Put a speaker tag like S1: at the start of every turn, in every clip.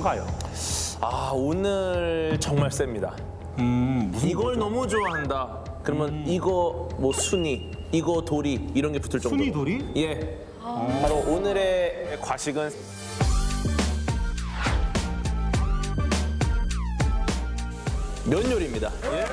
S1: 뭔가요?
S2: 아, 오늘 정말 셉니다.
S1: 무슨
S2: 이걸 너무 좋아한다. 그러면 이거 뭐 순이, 이거 도리 이런 게 붙을 정도로.
S1: 순이 도리?
S2: 예. 바로 오늘의 과식은 면 요리입니다. 예.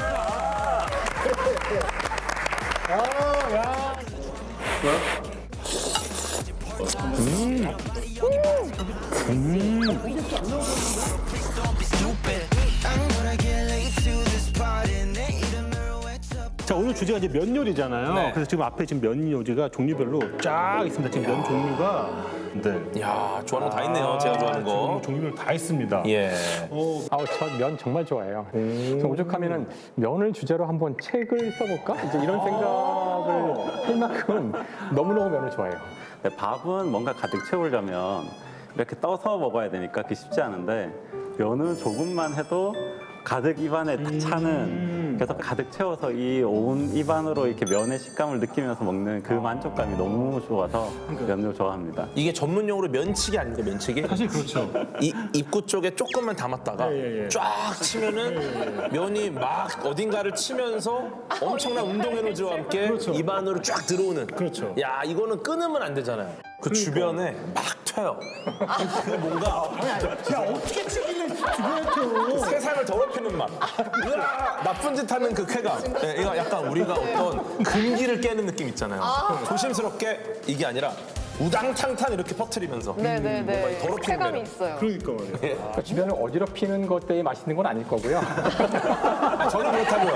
S1: 자, 오늘 주제가 이제 면 요리잖아요.
S2: 네.
S1: 그래서 지금 앞에 지금 면 요리가 종류별로 쫙 있습니다. 지금 면 종류가. 네.
S2: 야, 좋아하는 거 다 있네요. 제가 좋아하는 거.
S1: 지금 종류별 다 있습니다.
S2: 예.
S3: 저 면 정말 좋아해요. 그래서 오죽하면은 면을 주제로 한번 책을 써볼까? 이제 이런 생각을 할 만큼 너무너무 면을 좋아해요.
S4: 네, 밥은 뭔가 가득 채우려면 이렇게 떠서 먹어야 되니까 그게 쉽지 않은데 면은 조금만 해도 가득 입안에 딱 차는 그래서 가득 채워서 이 온 입안으로 이렇게 면의 식감을 느끼면서 먹는 그 만족감이 너무 좋아서 면을 좋아합니다.
S2: 이게 전문용어로 면치기 아닙니까? 면치기?
S1: 사실 그렇죠.
S2: 이 입구 쪽에 조금만 담았다가
S1: 예.
S2: 쫙 치면은 면이 막 어딘가를 치면서 엄청난 운동 에너지와 함께
S1: 그렇죠.
S2: 입안으로 쫙 들어오는.
S1: 그렇죠.
S2: 야, 이거는 끊으면 안 되잖아요. 그 주변에 막 튀어요. 그 뭔가
S1: 야, 어떻게 튀기는 주변에
S2: 세상을 더럽히는 맛. 으아, 나쁜 짓 하는 그 쾌감. 예, 이거 약간 우리가 어떤 금기를 깨는 느낌 있잖아요. 조심스럽게 이게 아니라 우당탕탕 이렇게 퍼뜨리면서
S5: 네네네.
S2: 더럽히는
S5: 쾌감이
S2: 매력.
S5: 있어요.
S1: 그러니까 말이에요.
S3: 그러니까 주변을 어지럽히는 것 때문에 맛있는 건 아닐 거고요.
S2: 아, 저는 그렇다고요.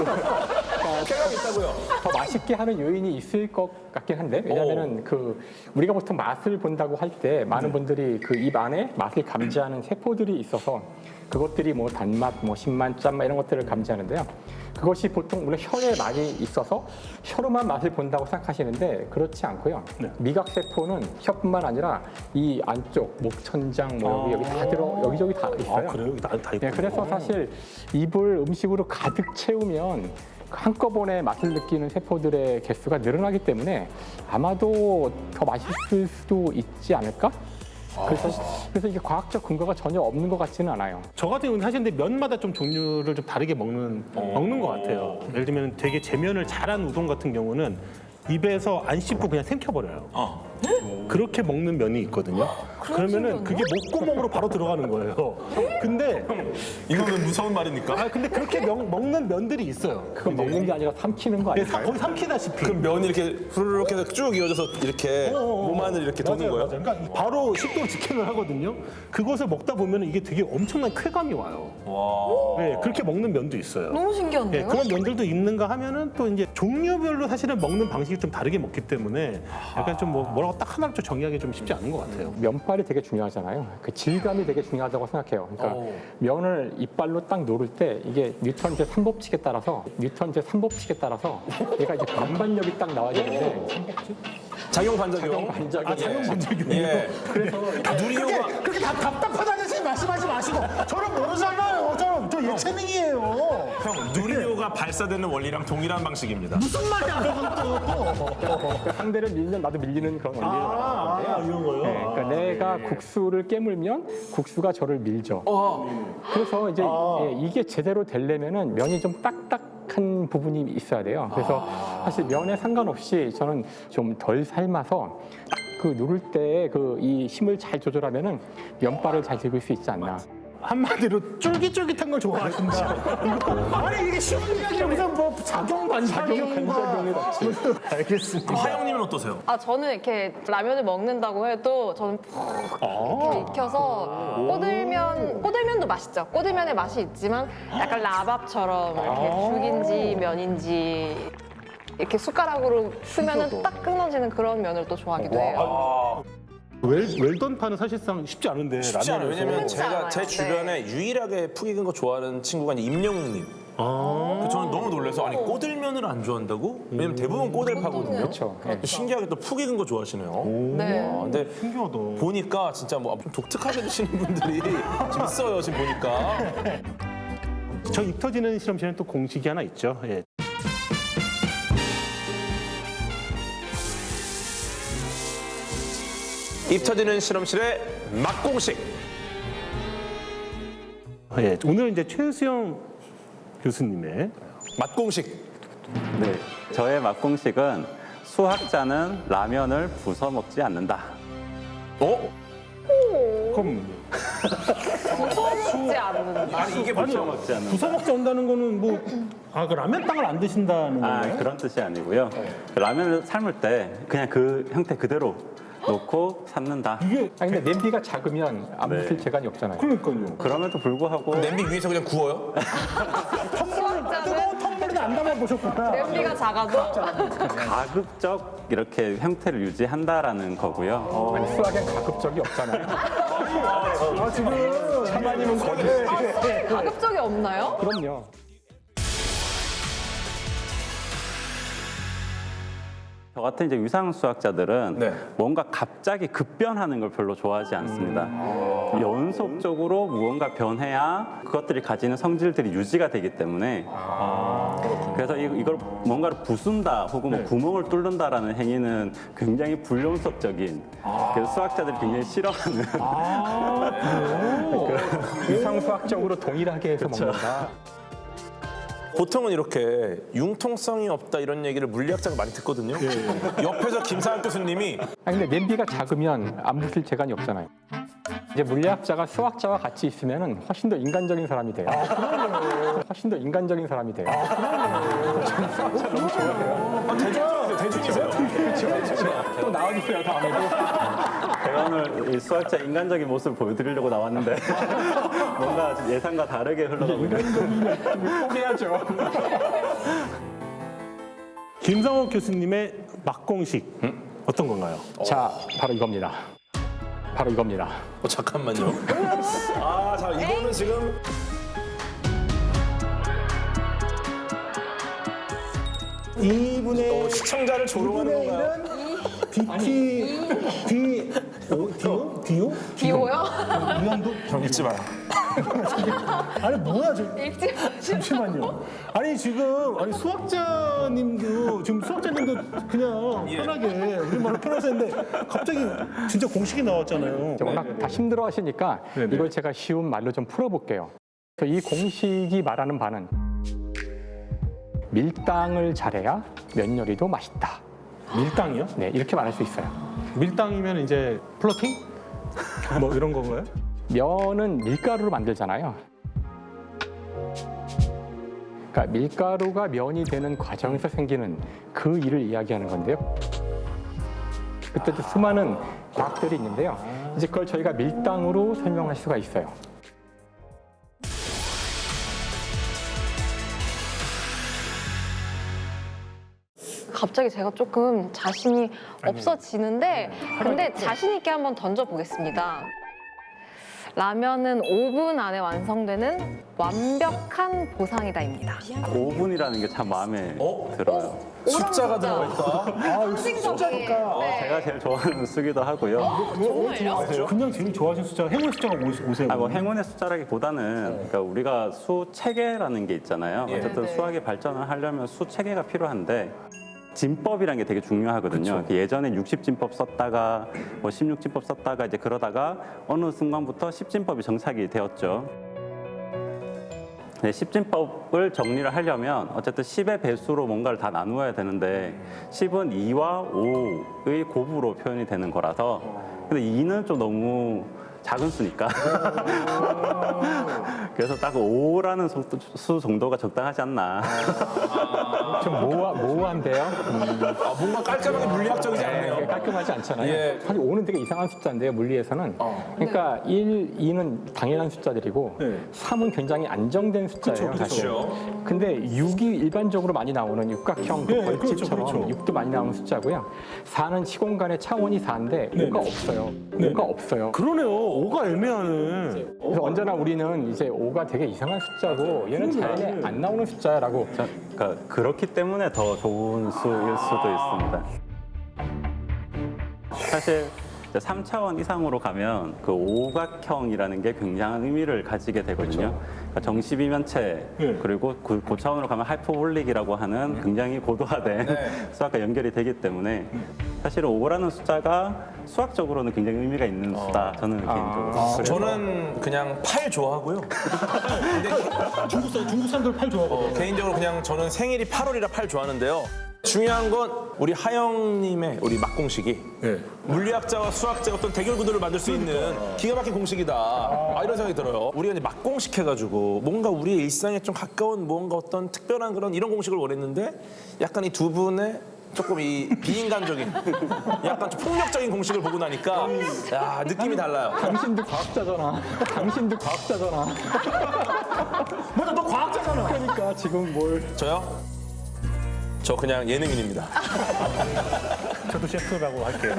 S2: 쾌감이 있다고요.
S3: 더 맛있게 하는 요인이 있을 것 같긴 한데 왜냐면은 그 우리가 보통 맛을 본다고 할 때 많은 분들이 그 입 안에 맛을 감지하는 세포들이 있어서 그것들이 뭐 단맛, 뭐 신맛, 짠맛 이런 것들을 감지하는데요. 그것이 보통 우리 혀에 많이 있어서 혀로만 맛을 본다고 생각하시는데 그렇지 않고요.
S1: 네.
S3: 미각 세포는 혀뿐만 아니라 이 안쪽 목천장 뭐 여기 다 들어 여기저기 다 있어요.
S1: 아, 그래요? 다 있고.
S3: 네, 그래서 사실 입을 음식으로 가득 채우면 한꺼번에 맛을 느끼는 세포들의 개수가 늘어나기 때문에 아마도 더 맛있을 수도 있지 않을까? 그래서 이게 과학적 근거가 전혀 없는 것 같지는 않아요.
S1: 저 같은 경우는 사실 근데 면마다 좀 종류를 좀 다르게 먹는 것 같아요. 예를 들면 되게 제면을 잘한 우동 같은 경우는 입에서 안 씹고 그냥 삼켜버려요. 그렇게 먹는 면이 있거든요. 그러면은 그게 목구멍으로 바로 들어가는 거예요. 근데
S2: 이거는 무서운 말입니까?
S1: 근데 그렇게 먹는 면들이 있어요.
S3: 그건 먹는 게 아니라 삼키는 거
S1: 네,
S3: 아닐까요?
S1: 거의 삼키다시피.
S2: 그럼 면이 이렇게 후루룩 해서 쭉 이어져서 이렇게 몸 안을 이렇게 도는 거예요?
S1: 맞아요. 그러니까 바로 식도로 직행을 하거든요. 그것을 먹다 보면 이게 되게 엄청난 쾌감이 와요.
S2: 와.
S1: 네, 그렇게 먹는 면도 있어요.
S5: 너무
S1: 네,
S5: 신기한데요?
S1: 그런 면들도 있는가 하면은 또 이제 종류별로 사실은 먹는 방식이 좀 다르게 먹기 때문에 약간 좀 뭐라고 딱 하나로 좀 정의하기 좀 쉽지 않은 것 같아요.
S3: 면발이 되게 중요하잖아요. 그 질감이 되게 중요하다고 생각해요. 그러니까
S2: 오.
S3: 면을 이빨로 딱 노를 때 이게 뉴턴 제3법칙에 따라서 얘가 이제 반반력이 딱 나와야 되는데
S2: 작용 반작용.
S3: 반작용.
S2: 예.
S3: 그래서
S2: 누리호가
S1: 그렇게 답답하다는 생각 말씀하지 마시고 저는 모르잖아요. 저 예체능이에요.
S2: 형 누리호가 발사되는 원리랑 동일한 방식입니다.
S1: 무슨 말이야 그건 또.
S3: 상대를 밀면 나도 밀리는 그런 원리를 말하는
S1: 이런 거요?
S3: 네, 그러니까 내가 국수를 깨물면 국수가 저를 밀죠. 그래서 이제 이게 제대로 되려면은 면이 좀 딱딱한 부분이 있어야 돼요. 그래서 사실 면에 상관없이 저는 좀 덜 삶아서 딱 그 누를 때 그 이 힘을 잘 조절하면은 면발을 잘 즐길 수 있지 않나.
S1: 한마디로 쫄깃쫄깃한 걸 좋아하신다. 아니 이게 쉬운 이야기야. 무슨 뭐 작용 반작용이
S3: 같이.
S1: 알겠습니다.
S2: 그럼 하영님은 어떠세요?
S5: 저는 이렇게 라면을 먹는다고 해도 저는 푹 이렇게 익혀서 꼬들면도 맛있죠. 꼬들면의 맛이 있지만 약간 라밥처럼 이렇게 죽인지 면인지 이렇게 숟가락으로 쓰면은 딱 끊어지는 그런 면을 또 좋아하기도 해요.
S1: 웰던파는 사실상 쉽지 않은데
S2: 쉽지 않아요.
S1: 라면에서.
S2: 왜냐면
S5: 쉽지
S2: 제가
S5: 않아요.
S2: 제 주변에 유일하게 푹 익은 거 좋아하는 친구가 이제 임영웅님. 저는 너무 놀라서 아니 꼬들면을 안 좋아한다고? 왜냐면 대부분 꼬들파거든요.
S3: 그렇죠.
S2: 신기하게 또 푹 익은 거 좋아하시네요.
S5: 네.
S2: 근데
S1: 신기하다.
S2: 보니까 진짜 뭐 좀 독특하게 드시는 분들이 좀 있어요. 지금 보니까.
S1: 저 입 터지는 실험실은 또 공식이 하나 있죠. 예.
S2: 입 터지는 실험실의 맛공식.
S1: 예, 오늘 이제 최수영 교수님의
S2: 맛공식.
S4: 네, 저의 맛공식은 수학자는 라면을 부숴 먹지 않는다.
S2: 어?
S1: 그럼
S5: 무서워먹지 않는다.
S2: 아니 이게
S1: 아니요.
S2: 뭐죠?
S4: 먹지 않는다.
S1: 부숴먹지 않는다는 거는 뭐 그 라면 땅을 안 드신다는
S4: 아,
S1: 건가요?
S4: 그런 뜻이 아니고요. 라면을 삶을 때 그냥 그 형태 그대로 놓고 삶는다.
S1: 이게
S3: 아니 근데 냄비가 작으면 안
S4: 네.
S3: 붙을 재간이 없잖아요.
S1: 그러니까요.
S4: 그럼에도 불구하고
S2: 냄비 위에서 그냥 구워요?
S5: 수학자는
S1: 텀블러는 안 담아보셨구나.
S5: 냄비가 작아도
S4: 가급적 이렇게 형태를 유지한다라는 거고요.
S3: 아니 수학엔 가급적이 없잖아요.
S1: 아, 지금
S3: 차마님은 거짓.
S5: 가급적이 없나요?
S3: 그럼요.
S4: 저 같은 이제 위상 수학자들은
S2: 네.
S4: 뭔가 갑자기 급변하는 걸 별로 좋아하지 않습니다. 연속적으로 무언가 변해야 그것들이 가지는 성질들이 유지가 되기 때문에 그래서 이걸 뭔가를 부순다 혹은 뭐 구멍을 뚫는다라는 행위는 굉장히 불용섭적인 그래서 수학자들이 굉장히 싫어하는
S3: 위상 수학적으로 동일하게 해서 먹는다.
S2: 보통은 이렇게 융통성이 없다 이런 얘기를 물리학자가 많이 듣거든요. 옆에서 김상학 교수님이
S3: 아니 근데 냄비가 작으면 안 붙을 재간이 없잖아요. 이제 물리학자가 수학자와 같이 있으면은 훨씬 더 인간적인 사람이 돼요. 훨씬 더 인간적인 사람이 돼요. 저는 수학자 너무 좋아해요.
S2: 대중이세요?
S3: 또 나와주세요 다음에도.
S4: 제가 오늘 이 수학자 인간적인 모습을 보여드리려고 나왔는데 뭔가 예상과 다르게 흘러가고 있는
S3: 포기해야죠.
S1: 김상옥 교수님의 맛공식 어떤 건가요?
S3: 자 바로 이겁니다. 바로 이겁니다.
S2: 잠깐만요. 아, 자 이거는 지금
S1: 이분의
S2: 시청자를 조롱하는 건가요?
S1: 디오?
S5: 비오요?
S1: 이현도?
S2: 읽지 마라.
S1: 아니 뭐야 저
S5: 읽지 마시고.
S1: 잠시만요. 아니 지금 아니 수학자님도 지금 수학자님도 그냥 편하게 우리말로 편해서 했는데 갑자기 진짜 공식이 나왔잖아요.
S3: 워낙 다 힘들어 하시니까
S1: 네네.
S3: 이걸 제가 쉬운 말로 좀 풀어볼게요. 그래서 이 공식이 말하는 바는 밀당을 잘해야 면 요리도 맛있다.
S1: 밀당이요?
S3: 네, 이렇게 말할 수 있어요.
S1: 밀당이면 이제 플러팅? 뭐 이런 건가요?
S3: 면은 밀가루로 만들잖아요. 그러니까 밀가루가 면이 되는 과정에서 생기는 그 일을 이야기하는 건데요. 그때도 수많은 과학들이 있는데요. 이제 그걸 저희가 밀당으로 설명할 수가 있어요.
S5: 갑자기 제가 조금 자신이 없어지는데 근데 자신 있게 한번 던져보겠습니다. 라면은 5분 안에 완성되는 완벽한 보상이다입니다.
S4: 5분이라는 게 참 마음에 들어요.
S2: 숫자가 들어가 있다.
S5: 상징적이니까. 네.
S4: 제가 제일 좋아하는 수기도 하고요.
S5: 정말요?
S1: 그냥 제일 좋아하시는 숫자가 행운 숫자가 오세요.
S4: 뭐 행운의 숫자라기보다는 그러니까 우리가 수 체계라는 게 있잖아요. 어쨌든
S5: 네.
S4: 수학이 발전을 하려면 수 체계가 필요한데 진법이라는 게 되게 중요하거든요. 예전에 60진법 썼다가 뭐 16진법 썼다가 이제 그러다가 어느 순간부터 10진법이 정착이 되었죠. 네, 10진법을 정리를 하려면 어쨌든 10의 배수로 뭔가를 다 나누어야 되는데 10은 2와 5의 곱으로 표현이 되는 거라서 근데 2는 좀 너무 작은 수니까 그래서 딱 5라는 수 정도가 적당하지 않나.
S3: 좀 모호한데요.
S2: 아, 뭔가 깔끔하게 물리학적이지
S3: 이게
S2: 않네요.
S3: 깔끔하지 않잖아요.
S2: 예.
S3: 사실 5는 되게 이상한 숫자인데요, 물리에서는. 그러니까 1, 2는 당연한 숫자들이고
S1: 네.
S3: 3은 굉장히 안정된 숫자예요,
S1: 그쵸,
S3: 사실.
S2: 그쵸.
S3: 근데 6이 일반적으로 많이 나오는 육각형 그
S1: 네,
S3: 벌집처럼
S1: 그렇죠.
S3: 6도 많이 나오는 숫자고요. 4는 시공간의 차원이 4인데 5가 없어요. 5가 없어요.
S1: 그러네요. 5가 애매하네.
S3: 그래서 언제나 우리는 이제 5가 되게 이상한 숫자고 얘는 자연에 안 나오는 숫자라고
S4: 그러니까 그렇기 때문에 더 좋은 수일 수도 있습니다. 사실 이제 3차원 이상으로 가면 그 오각형이라는 게 굉장한 의미를 가지게 되거든요. 그러니까 정시비면체
S1: 네.
S4: 그리고 그 고차원으로 가면 하이퍼볼릭이라고 하는 굉장히 고도화된 수학과 연결이 되기 때문에 사실은 5라는 숫자가 수학적으로는 굉장히 의미가 있는 수다. 저는 개인적으로. 그래서
S2: 저는 그냥 8 좋아하고요.
S1: 중국 사람들 팔 좋아하거든요.
S2: 개인적으로 그냥 저는 생일이 8월이라 8 좋아하는데요. 중요한 건 우리 하영님의 우리 막공식이
S1: 네.
S2: 물리학자와 수학자의 어떤 대결 구도를 만들 수 있는 기가 막힌 공식이다. 이런 생각이 들어요. 우리가 이제 막공식 해가지고 뭔가 우리의 일상에 좀 가까운 뭔가 어떤 특별한 그런 이런 공식을 원했는데 약간 이 두 분의 조금 이 비인간적인 약간 좀 폭력적인 공식을 보고 나니까 야 느낌이 달라요.
S3: 당신도 과학자잖아. 당신도 과학자잖아.
S1: 맞아, 너 과학자잖아.
S3: 그러니까 지금 뭘
S2: 저요? 저 그냥 예능인입니다.
S1: 저도 셰프라고 할게요.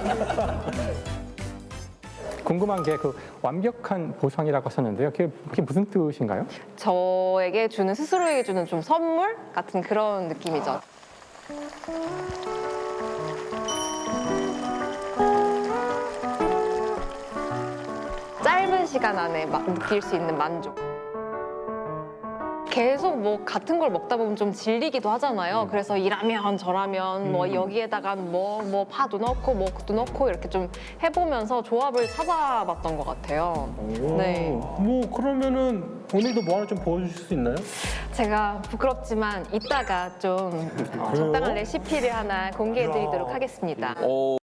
S3: 궁금한 게 그 완벽한 보상이라고 하셨는데요. 그게 무슨 뜻인가요?
S5: 저에게 주는 스스로에게 주는 좀 선물 같은 그런 느낌이죠. 짧은 시간 안에 막 느낄 수 있는 만족. 계속 뭐 같은 걸 먹다 보면 좀 질리기도 하잖아요. 그래서 이라면 저라면 뭐 여기에다가 뭐 파도 넣고 뭐 그것도 넣고 이렇게 좀 해보면서 조합을 찾아봤던 것 같아요. 네.
S1: 뭐 그러면은 오늘도 뭐 하나 좀 보여주실 수 있나요?
S5: 제가 부끄럽지만 이따가 좀 적당한 레시피를 하나 공개해드리도록 하겠습니다.
S2: 오